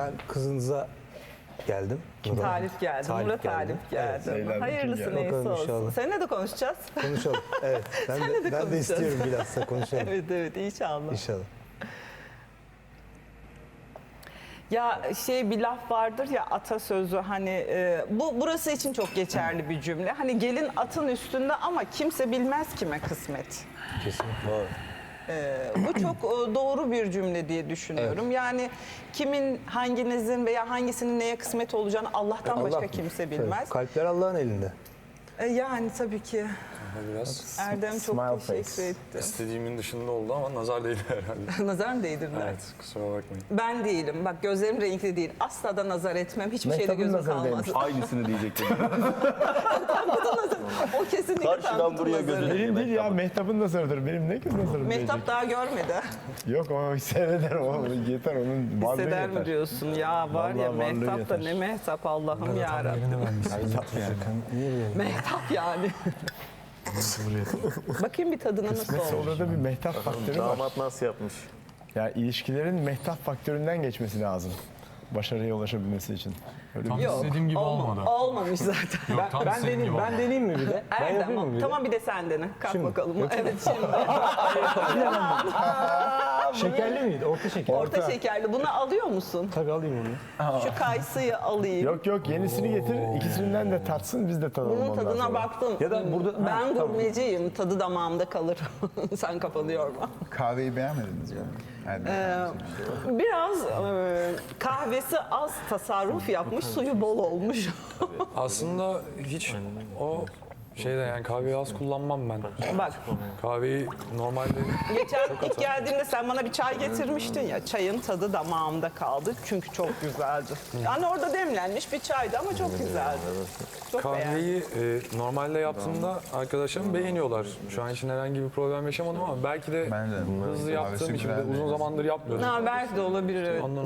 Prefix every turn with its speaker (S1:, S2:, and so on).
S1: ben kızınıza geldim.
S2: Talip geldi. Murat Talip geldi. Hayırlısı neyse
S1: Bakalım
S2: olsun.
S1: inşallah.
S2: Seninle de konuşacağız.
S1: Konuşalım. Evet. Ben de
S2: konuşacağız.
S1: istiyorum bilhassa konuşalım.
S2: Evet inşallah.
S1: İnşallah.
S2: Ya bir laf vardır ya, atasözü, hani burası için çok geçerli bir cümle. Hani gelin atın üstünde ama kimse bilmez kime kısmet.
S1: Kesinlikle. Doğru.
S2: Bu çok doğru bir cümle diye düşünüyorum. Yani kimin, hanginizin veya hangisinin neye kısmet olacağını Allah'tan başka
S1: Allah
S2: kimse
S1: bilir.
S2: bilmez.
S1: Evet, kalpler Allah'ın elinde.
S2: Yani tabii ki.
S3: Biraz
S2: Erdem çok
S4: Smile
S2: teşekkür
S4: face.
S2: etti.
S3: istediğimin dışında oldu ama nazar değdi herhalde.
S2: Nazar mı değdirdiler?
S3: Evet, kusura bakmayın.
S2: Ben değilim. Bak gözlerim renkli değil. Asla da nazar etmem. Hiçbir şeyde
S4: Mehtap'ın
S2: gözüm
S4: nazarı
S2: kalmaz.
S4: değmiş. Aynısını diyecektim.
S2: O kesinlikle
S4: Karşıdan
S2: Tankut'un
S4: buraya
S2: nazarı.
S4: gözünü-
S5: Benim değil ya, Mehtap'ın nazarıdır. Benim ne kız nazarım diyecek.
S2: Mehtap daha görmedi.
S5: Yok, o hisseder, o yeter, onun varlığı
S2: Hisseder
S5: yeter.
S2: mi diyorsun? Ya var ya,
S5: Vallahi varlığı
S2: Mehtap da
S5: yeter.
S2: ne Mehtap, Allah'ım yarabbim.
S1: Niye
S2: Mehtap Bakayım bir tadına nasıl
S5: Kısmetse
S2: olmuş.
S5: orada bir mehtap faktörü var.
S4: Damat nasıl yapmış?
S5: Ya ilişkilerin mehtap faktöründen geçmesi lazım. Başarıya ulaşabilmesi için. Öyle bir-
S2: Yok,
S6: İstediğim gibi olmadı.
S2: olmamış zaten.
S6: Yok, tam istediğim gibi olmadı.
S1: deneyeyim mi bir de? Ben
S2: Erdem,
S1: yapayım mı bir de?
S2: tamam bir de sen dene. Kalk bakalım. Evet şimdi.
S1: Şekerli miydi? Orta şeker.
S2: Orta şekerli. Bunu alıyor musun?
S1: Tabii alayım onu.
S2: Şu kayısıyı alayım.
S5: Yok, yenisini getir, ikisinden de tatsın, biz de tadalım
S2: Bunun
S5: ondan
S2: tadına
S5: sonra.
S2: baktım.
S1: Ya da burada-
S2: ben
S1: Ha, tamam.
S2: gurmeciyim. Tadı damağımda kalır. Sen kafanı yorma.
S7: Kahveyi beğenmediniz mi?
S2: Biraz kahvesi az tasarruf yapmış, suyu bol olmuş.
S3: Aslında hiç o yani kahveyi az kullanmam ben.
S2: Bak,
S3: Kahveyi normalde
S2: geçen ilk geldiğimde sen bana bir çay getirmiştin ya, çayın tadı damağımda kaldı çünkü çok güzeldi. Yani orada demlenmiş bir çaydı ama çok güzeldi. Çok beğendim.
S3: kahveyi normalde yaptığımda arkadaşlarım beğeniyorlar. Şu an için herhangi bir problem yaşamadım ama belki de
S7: Ben de.
S3: hızlı
S7: Kahvesi
S3: yaptığım için de
S7: güzel
S3: uzun
S7: değil.
S3: zamandır yapmıyorum.
S2: Ha, belki de olabilir evet.
S3: Ondan